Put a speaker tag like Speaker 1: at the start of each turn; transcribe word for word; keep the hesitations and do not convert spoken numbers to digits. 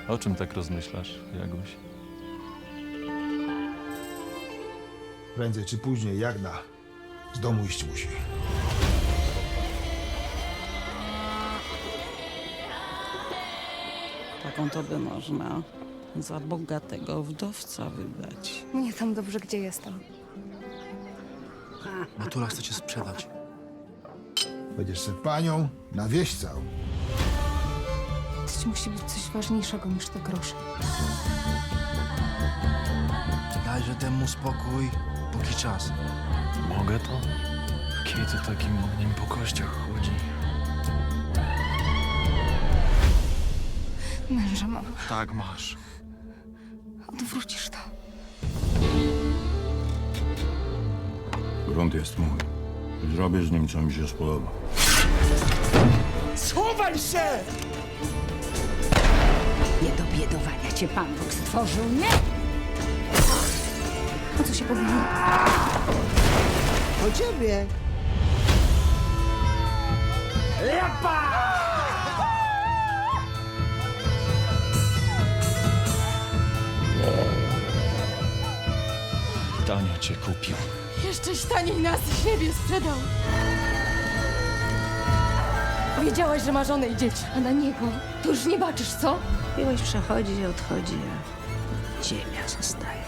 Speaker 1: O czym tak rozmyślasz, Jaguś?
Speaker 2: Prędzej czy później Jagna z domu iść musi.
Speaker 3: Taką to by można za bogatego wdowca wydać.
Speaker 4: Mnie tam dobrze, gdzie jestem.
Speaker 5: Natura chce cię sprzedać.
Speaker 2: Będziesz se panią na wieś całą.
Speaker 4: To musi być coś ważniejszego niż te grosze.
Speaker 5: Dajże temu spokój, póki czas.
Speaker 1: Mogę to? Kiedy takim ogniem po kościach chodzi?
Speaker 4: Męża mam.
Speaker 5: Tak masz.
Speaker 4: Odwrócisz to.
Speaker 6: Grunt jest mój. Zrobię z nim, co mi się spodoba.
Speaker 7: Nie do biedowania cię Pan Bóg stworzył, nie?
Speaker 4: O co się powinno?
Speaker 8: O ciebie!
Speaker 1: Tanio cię kupił.
Speaker 4: Jeszcze taniej nas i siebie sprzedał. Wiedziałaś, że ma żonę i dzieci, a na niego to już nie baczysz, co?
Speaker 7: Miłość przechodzi i odchodzi, a ziemia zostaje.